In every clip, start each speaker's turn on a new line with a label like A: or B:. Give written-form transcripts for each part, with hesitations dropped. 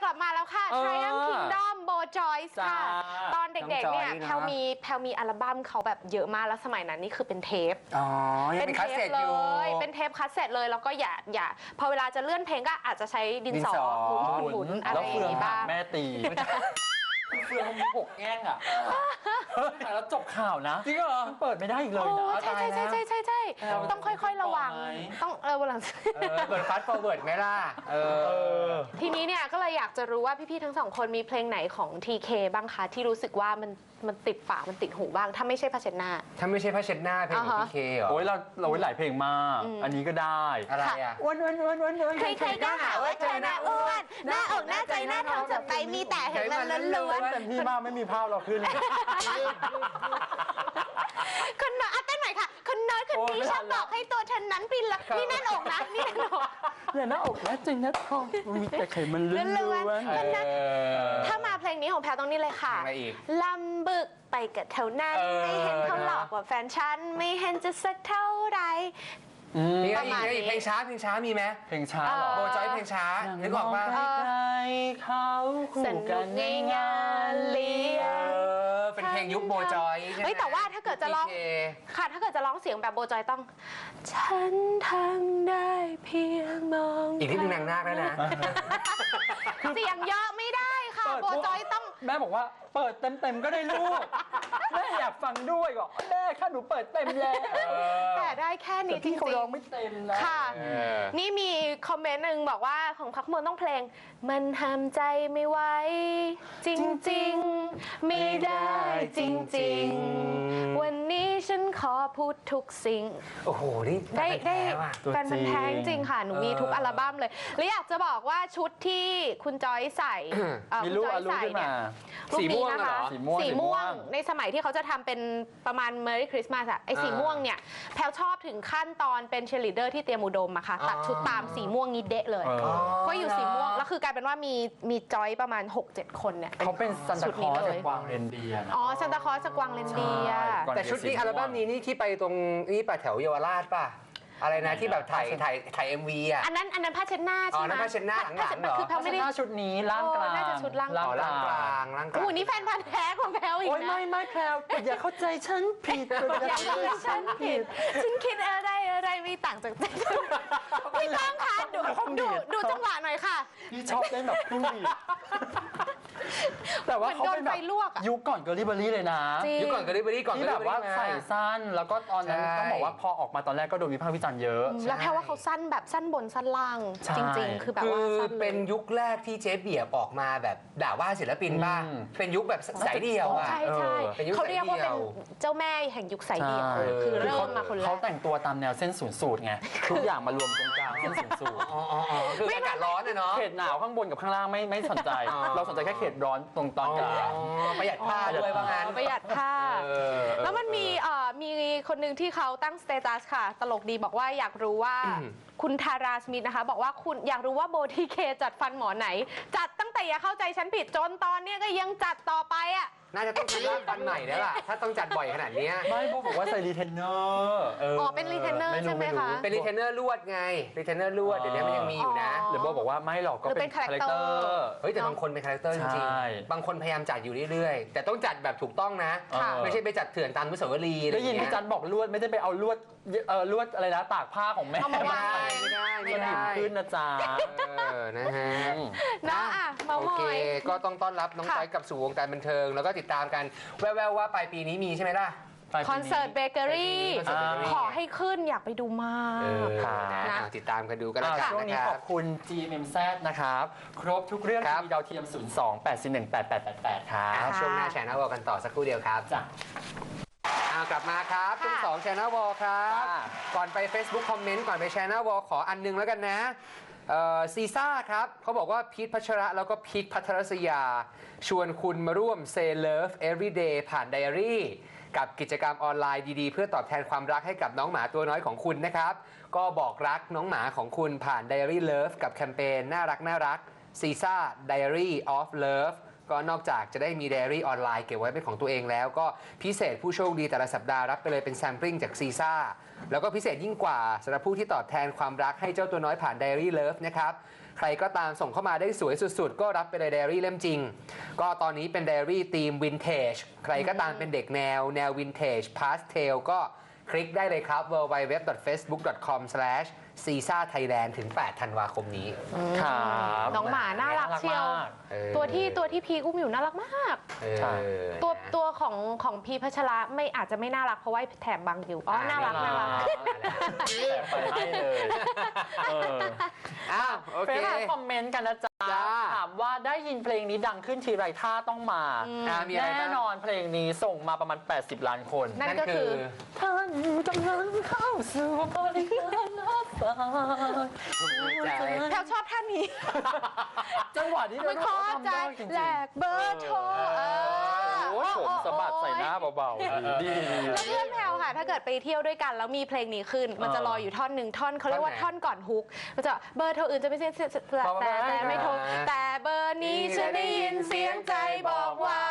A: ลับมาแล้วค่ะ Triumph Kingdom โบจอยส์ค่ะตอนเด็กๆเนี่ยแพลมีอัลบั้มเขาแบบเยอะมากแล้วสมัยนั้นนี่คือเป็นเทป
B: เป็นคัสเซ็ตอยู่
A: เป็นเทปคัสเซ็ตเลยแล้วก็อย่าพอเวลาจะเลื่อนเพลงก็อาจจะใช้ดินสอหมุนอะไรอย่างนี้บ้าง
C: แม่ตีเฟืองมีหกแง่งอ่ะแล้วจบข่าวนะ
B: จริงเหรอ
C: เปิดไม่ได้อีกเลยนะ
A: ใช่ต้องค่อยๆระวังต้องวันหลัง
B: เปิดฟาสต์ฟอร์เวิร์ดไหมล่ะ
A: ทีนี้เนี่ยก็เลยอยากจะรู้ว่าพี่ๆทั้งสองคนมีเพลงไหนของ TK บ้างคะที่รู้สึกว่ามันติดปากมันติดหูบ้างถ้าไม่ใช่ผ้าเช็ดหน้า
B: ถ้าไม่ใช่ผ้าเช็ดหน้าเพลงของ TK เหรอ
C: โอ้ยเราหลายเพลงมากอันนี้ก็ได้
B: อะไรอ่ะ
C: อ้วน
A: ใครๆก็หาว่าเธอหน้าอ้วนหน้าอกหน้าใจหน้าท้องจะไปมีแต่เห็นมันล้วน
C: ๆเต็มที่มากไม่มีภาพเราขึ้น
A: คนน้อยเต้นหน่อยค่ะคนน้อยคนนี้ชอบบอกให้ตัวเธอนั้นปินละนี่แน่นอกนะนี่แน่นอก
C: เนี่ยหน้าอกหน้าใจหน้าท้องมีแต่ไขมันล้วน
A: ๆถ้ามาเพลงนี้ของแพรต้องนี่เลยค่ะลำบึกไปกับเท่านั้นไม่เห็นเขาหลอกว่าแฟนฉันไม่เห็นจะสักเท่าไร
B: ประมาณนี้เพลงช้ามีไหม
C: เพลงช้าหรอ
B: โบจอยเพลงช้านึกออกว่า
C: ใครเขาคู่กันในงานเลี้ยง
B: เป็นเพลงยุคโบจอย
A: เฮ้ยแต่ว่าถ้าเกิดจะร้องค่ะถ้าเกิดจะร้องเสียงแบบโบจอยต้องฉันทำได้เพียงมอง
B: อีกนิดนึงนางนาคแล้วนะ
A: เสียงเยอะไม่ได้ค่ะโบจอยต้อง
C: แม่บอกว่าเปิดเต็มก็ได้ลูกแม่อยากฟังด้วยก็แม่ค่ะหนูเปิดเต็มแล้ว
A: แต่ได้แค่นี้จริงๆ
C: เขาร้องไม่เต็มนะ
A: ค่ะนี่มีคอมเมนต์หนึ่งบอกว่าของพักมนต้องเพลงมันห้ามใจไม่ไหวจริงๆไม่ได้จริงๆวันนี้ฉันขอพูดทุกสิ่ง
B: โอ้โหนี่
A: ได้แฟนมันแท้จริงค่ะหนูมีทุกอัลบั้มเลยและอยากจะบอกว่าชุดที่คุณจอยใส่
C: คุณจอยใส่เนี่ย
A: สีม่วงนะคะสีม่วงในสมัยที่เขาจะทำเป็นประมาณ Merry Christmas อะไอสีม่วงเนี่ยแพลชอบถึงขั้นตอนเป็นเชลิเดอร์ที่เตรียมอุดมอะค่ะตัดชุดตามสีม่วงนี้เดะเลยก็อยู่สีม่วงแล้วคือกลายเป็นว่ามีจอยประมาณ 6-7 คนเนี่ย
C: เขาเป็นซันตาคลอสจากกวางเรนเดียร์
A: อ๋อซันตาคลอสจากกวางเรนเดียร์
B: แต่ชุดนี้อัลบั้มนี้นี่ที่ไปตรงนี่ป่ะแถวเยาวราชป่ะอะไรนะที่แบบถ่าย MV อ่ะ
A: อันนั้นผ้าเช็ดหน้าใช่ไหม
B: อ๋อผ้าเช็ดหน้าหลังๆเหรอ
A: คือเขาไม่ได้
C: ชุดนี้ล่างกลาง
A: น่าจะชุดล่างกล
B: าง
A: โอ้นี่แฟนพันธุ์แท้ของแพลอีกนะ
C: โอ้ยไม่แพลอย่าเข้าใจฉันผิด
A: อย่าเข้าใจฉันผิดฉันคิดอะไรไม่ต่างจากใจพี่ต้องค่ะดูจังหวะหน่อยค่ะ
C: พี่ชอบเล่นแบบผู้หญิงแต่ว่าเขาเป็นแบบยุคก่อนเกอร์ลี่เบอรี่เลยนะ
B: ยุคก่อนเกอร์ลี่เบอรี่ก่อน
C: ที่แบบว่าใส่สั้นแล้วก็ตอนนั้นต้องบอกว่าพอออกมาตอนแรกก็โดนวิพากษ์วิจารณ์เยอะ
A: แล้วแค่ว่าเขาสั้นแบบสั้นบนสั้นล่างจริงๆคือแบบว่า
B: เป็นยุคแรกที่เจ๊เบียบออกมาแบบด่าว่าศิลปินบ้างเป็นยุคแบบสายเดี่ยวอ่ะ
A: ใช่เขาเรียกว่าเป็นเจ้าแม่แห่งยุคสายเดี่ยวคือเริ่มมาคนแรก
C: เขาแต่งตัวตามแนวเส้นศูนย์สูตรไงทุกอย่างมารวมตรงกลางเส้นศูนย์สูตร
B: คืออากาศร้อนเนาะ
C: เขตหนาวข้างบนกับข้างล่างไม่สนใจเราสนใจแค่เขตร้อนตรงตอนกลาง
B: ประหยัดผ้าด้วยว่างั้น
A: ประหยัดผ้าแล้วมันมีคนหนึ่งที่เขาตั้งสเตตัสค่ะตลกดีบอกว่าอยากรู้ว่าคุณทาราสมิธนะคะบอกว่าคุณอยากรู้ว่าโบทีเคจัดฟันหมอไหนจัดตั้งแต่อย่าเข้าใจฉันผิดจนตอนนี้ก็ยังจัดต่อไปอ่ะ
B: น่าจะต้องทำรากฟันใหม่แล้วล่ะถ้าต้องจัดบ่อยขนาดนี้
C: ไม่โบบอกว่าใส่รีเทนเนอร์
A: อ๋อเป็นรีเทนเนอร์ใช่ไหมคะ
B: เป็นรีเทนเนอร์ลวดไงรีเทนเนอร์ลวดเดี๋ยวนี้มันยังมีอยู่นะ
C: หรือโบบอกว่าไม่หรอกก็เป็นคาแรคเตอร์
B: เฮ้ยแต่บางคนเป็นคาแรคเตอร์จริงๆบางคนพยายามจัดอยู่เรื่อยๆแต่ต้องจัดแบบถูกต้องนะไม่ใช่ไปจัดเถื่อนตามอนุสาวรีย์
C: ได้ยินพี่จันบอกลวดไม่ได้ไปเอาลวดอะไรนะตากผ้าของแม่
B: ไม่ได้
C: ขึ้นนะจ๊ะ
B: นะฮะโอเคก็ต้องต้อนรับน้องจอยกับสู่วงการบันเทิงแล้วก็ติดตามกันแว่วๆว่าปลายปีนี้มีใช่ไหมล่ะ
A: คอนเสิร์ตเบเกอรี่ขอให้ขึ้นอยากไปดูมาก
B: ติดตามกันดูกันแล้วกัน
C: ช่วงนี้ขอบคุณ GMMZ นะครับครบทุกเรื่องทีวีดาวเทียม 02-841-8888 ครับ
B: ช่วงหน้าแชร์หน้าวอลกันต่อสักครู่เดียวครับจ้ะกลับมาครับช่วง2 Channel Wall ครับก่อนไป Facebook คอมเมนต์ก่อนไป Channel Wall ขออันนึงแล้วกันนะซีซ่าครับเขาบอกว่าพีทพัชระแล้วก็พีทพัทรศยาชวนคุณมาร่วม Say Love Everyday ผ่านไดอารี่กับกิจกรรมออนไลน์ดีๆเพื่อตอบแทนความรักให้กับน้องหมาตัวน้อยของคุณนะครับก็บอกรักน้องหมาของคุณผ่าน Diary Love กับแคมเปญน่ารักซีซ่า Diary of Love ก็นอกจากจะได้มีไดอารี่ออนไลน์เก็บไว้เป็นของตัวเองแล้วก็พิเศษผู้โชคดีแต่ละสัปดาห์รับไปเลยเป็นแซมปลิ้งจากซีซ่าแล้วก็พิเศษยิ่งกว่าสำหรับผู้ที่ตอบแทนความรักให้เจ้าตัวน้อยผ่าน Diary Love นะครับใครก็ตามส่งเข้ามาได้สวยสุดๆ ก็รับไปเลยไดอารี่เล่มจริง ก็ตอนนี้เป็นไดอารี่ธีมวินเทจใครก็ตามเป็นเด็กแนววินเทจพาสเทลก็คลิกได้เลยครับ www.facebook.com/CISA-Thailand ถึง 8 ธันวาคมนี้
C: ครับ
A: น้องหมาน่ารักเชียว
C: มาก
A: ตัวที่พีอุ้มอยู่น่ารักมาก
C: ใช่
A: ตัวของพีพัชระไม่อาจจะไม่น่ารักเพราะว่าแถบบังอยู่อ๋อน่ารัก
C: แต่ไปให้เลยเออ
B: อ้าวโอ
C: เฟ
B: เค
C: ซคอมเมนต์กันนะจ๊ะ
B: จ้า
C: ถามว่าได้ยินเพลงนี้ดังขึ้นทีไรท่าต้องมา
B: มีอะไรบ้าง
C: แน่นอนเพลงนี้ส่งมาประมาณ 80 ล้านคน
A: นั่นก็คือ
C: ท่านกำลังเข้าสู่บริการรับฝาก
A: แพลวชอบท่านนี้
C: จังหวะนี้
A: ไม่
C: เรา
A: ขอ
C: ทำ
A: ใจ
C: ได้จริง
A: แลกเบอร์โทร
C: โอ้ยผมสะบัดใส่หน้าเบาๆดี
A: แล้วเพื่อนแพลวค่ะ ถ้าเกิดไปเที่ยวด้วยกันแล้วมีเพลงนี้ขึ้น มันจะรออยู่ท่อนหนึ่งท่อนเขาเรียกว่าท่อนก่อนฮุกมันจะเบอร์โทรอื่นจะไม่ใช่แต่ไม่โทรแต่เบอร์นี้ฉันได้ยินเสียงใจบอกว่า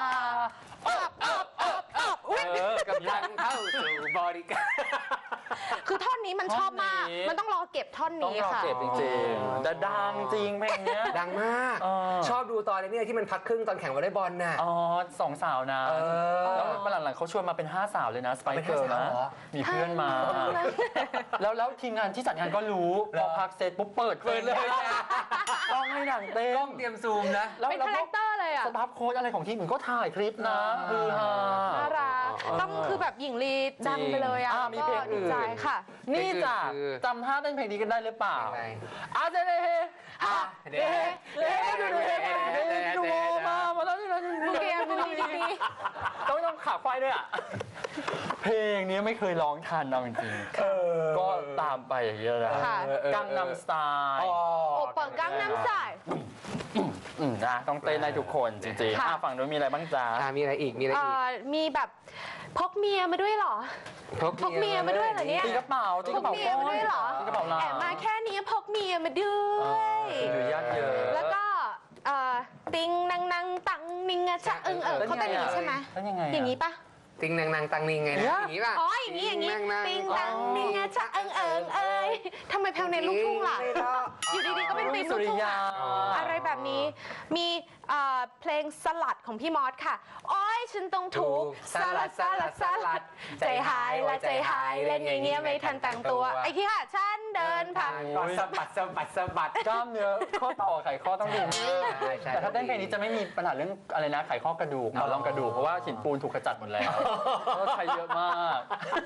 A: อุ๊ย
B: กำลังเข้าสู่บริการ
A: คือท่อนนี้มันชอบมาก มันต้องรอเก็บท่อน
C: ต้อง
A: นี้
C: รอ
A: ค่ะ
C: เก็บจริงๆแต่ดังจริงเพลงเนี้ย
B: ดังมาก ชอบดูตอนนี้ที่มันพักครึ่งตอนแข่งวอลเลย์บอลน่ะ
C: อ๋อสองสาวนะ แล้วหลังๆเขาชวนมาเป็น5 สาวเลยนะ สไปเกิร์ล
B: เป็น
C: นะ
B: 5 สาวเหรอ
C: มีเพื่อนมา แล้วทีมงานที่จัดงานก็รู้ พอพักเสร็จปุ๊บเปิดเลยต้องให้หนังเต้น
B: ต้องเตรียมซูมนะ
C: แล้ว
A: เป็นคาแรคเตอร์เลยอ่ะ
C: สตาฟโค้ดอะไรของทีมอื่นก็ถ่ายคลิปนะคือฮา
A: น่ารักต้องคือแบบหญิงลีดังไปเลยอ่ะ
C: มีเพลงอื่น
A: ก็ดีใจค่ะ
C: นี่จ้ะ
B: คือ
C: จำท่าเต้นเพลงนี้กันได้หรือเปล่า
B: ยังไง
C: อาเจเดเฮอาเดเฮเดเฮดูเดเฮดูมาแล้วนี่นะ
A: บูเกียบูดีดี
C: ต้องขาควายด้วยอ่ะ เพลงนี้ไม่เคยร้องทันเอาจริงๆก็ตามไปอย่างเงี้ยนะ
A: ค่ะ
C: กังนำสไตล์
A: โอเปิดกังน้ำใส
C: นะต้องเต้นได้ทุกคนจริงๆ
A: ค่ะ
C: ฝั่งนู้นมีอะไรบ้างจ๊ะ
B: มีอะไรอีก มีอะไรอีก
A: มีแบบพกเมียมาด้วยเหรอ พกเมียมาด้วยเหรอเนี่ย
C: ตีกระเป๋า
A: พกเมียมาด้วยเหรอ
C: ตีกระเป๋าลา
A: แอบมาแค่นี้พกเมียมาด้วย
C: หรือญาติเยอะ
A: แล้วก็ติงนังนังตังนิงอะชะอึงเขาเป็นอย่างนี้ใช่ไหม
C: แล้วยังไง
A: อย่างนี้ปะ
B: ติงนางนางตังนิงไงนะอย่างนี้ป่ะ
A: อ๋ออย่างนี้อย่างนี้ ติงตังนิงอะชะอึงเอ้ยทำไมแพลวเน้นลูกทุ่งล่ะ อยู่ดีๆก็เป็นธีมลู
C: สุ
A: ก
C: ริ
A: ทุ่ง
C: ยา
A: อะไรแบบนี้ มีเพลงสลัดของพี่มอสค่ะโอ้ยฉันต้องถูกสลัดใจหายละใจหายเล่นอย่างเงี้ยไม่ทันตั้งตัวไอ้ที่ค่ะฉันเดินผ่าน
B: ก่อนสะบัดสะบัดสะบัด
C: กล้ามเนื้อข้อต่อไขข้อต้องดีมาก
B: ใช่
C: แต่ถ้าเต้นเพลงนี้จะไม่มีปัญหาเรื่องอะไรนะไขข้อกระดูกหมอนรองกระดูกเพราะว่าหินปูนถูกขจัดหมดแล้วก็ใช้เยอะมาก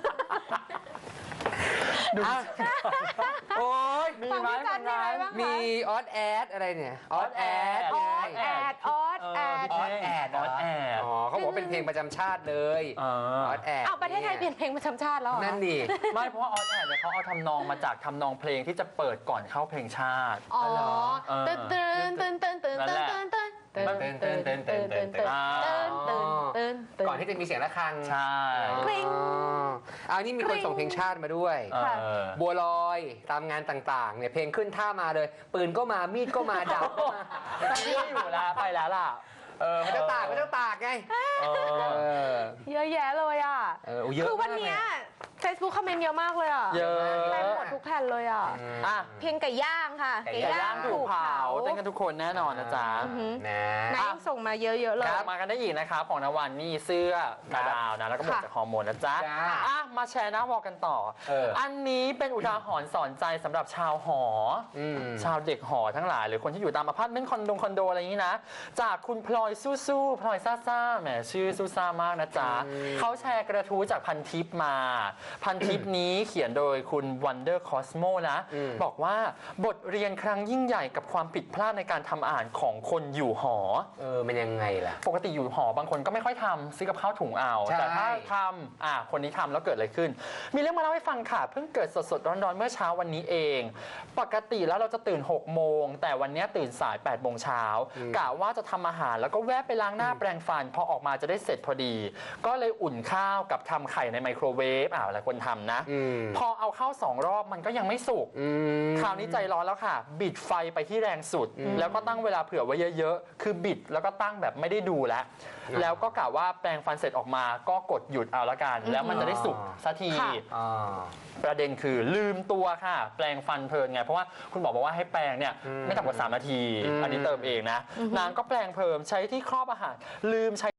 C: ดู
B: โอ้ย
C: มี
A: ฟัง
C: ไหม
A: พี่จันมีอะไรบ้าง
B: มี
A: คะ
B: ออดแอดอะไรเนี่ย ออดแอด
A: ออดแอด
B: ออดแอด
C: ออดแอด
B: อ๋อเขาบอกว่าเป็นเพลงประจำชาติเลย ออดแอด
A: เอาประเทศไทยเปลี่ยนเพลงประจำชาติแล้วเหรอ
B: นั่นดิ
C: ไม่เพราะว่าออดแอดเนี่ยเขาเอาทำนองมาจากทำนองเพลงที่จะเปิดก่อนเข้าเพลงชาติ
A: อ๋อ
C: เออ
A: ตื่นตื่นตื่นตื่นตื่นตื่นตื่นตื่นตื่นตื่นตื่นตื่นตื่นตื่นตื่นตื่น
B: ก่อนที่จะมีเสียงะระฆัง
C: ใช่
A: กริ๊ง
B: เอานี่มีคนส่งเพลงชาติมาด้วย
A: ค่ะ
B: บัวลอยตามงานต่างๆเนี่ยเพลงขึ้นท่ามาเลย ปืนก็มามีดก็มาดาบก็มา
C: ไม่อยู่แล้วไปแล้วล่ะ
B: มันจะตากไง
A: เยอะแยะเลยอ่ะ
B: เยอะ
A: คือวันเนี้ย Facebook คอมเมนต์เยอะมากเลยอ่ะ
C: เยอะ
A: เต็มหมดทุกแผ่นเลยอ่ะ
C: อ่ะ
A: เพลงไก่ย่างค่ะ
B: ไก่
C: ไก่ย่างถูกเผาเต้นกันทุกคนแน่นอนนะจ๊ะ
B: นะ
A: นายส่งมาเยอะๆเลย
C: ครับมากันได้อีกนะครับของนวันนี่เสื้อดาวนะแล้วก็หมวกจากฮอร์โมนนะจ๊ะ
B: จ้า
C: อ่ะมาแชร์หน้าวอลกันต่อ อันนี้เป็นอุทาหรณ์สอนใจสำหรับชาวหอ ชาวเด็กหอทั้งหลายหรือคนที่อยู่ตามอพาร์ตเมนต์คอนโดอะไรอย่างนี้นะ จากคุณพลอยสู้ๆพลอยซ่าๆแหมชื่อสู้ซ่ามากนะจ๊ะเขาแชร์กระทู้จากพันทิปมา พันทิปนี้เขียนโดยคุณ Wonder Cosmo นะ บอกว่าบทเรียนครั้งยิ่งใหญ่กับความผิดพลาดในการทำอาหารของคนอยู่หอ
B: มันยังไงล่ะ
C: ปกติอยู่หอบางคนก็ไม่ค่อยทำซื้อกับข้าวถุงเอา
B: ใช่
C: แต่ถ้าทำคนนี้ทำแล้วเกิดอะไรขึ้น มีเรื่องมาเล่าให้ฟังค่ะ เพิ่งเกิดสดๆร้อนๆเมื่อเช้าวันนี้เอง ปกติแล้วเราจะตื่น6โมงแต่วันนี้ตื่นสาย8โมงเช้ากะว่าจะทำอาหารแล้วก็แวะไปล้างหน้าแปรงฟันพอออกมาจะได้เสร็จพอดี ก็เลยอุ่นข้าวกับทำไข่ในไมโครเวฟลายคนทำนะพอเอาเข้า2 รอบมันก็ยังไม่สุกคราวนี้ใจร้อนแล้วค่ะบิดไฟไปที่แรงสุดแล้วก็ตั้งเวลาเผื่อไว้เยอะๆคือบิดแล้วก็ตั้งแบบไม่ได้ดูแล้วก็กะว่าแปรงฟันเสร็จออกมาก็กดหยุดเอาละกันแล้วมันจะได้สุกสักทีประเด็นคือลืมตัวค่ะแปรงฟันเพลินไงเพราะว่าคุณบอกว่าให้แปรงเนี่ยไม่ต่ำกว่า3 นาทีอันนี้เติมเองนะนางก็แปรงเพลินใช้ที่ครอบอาหารลืมใช้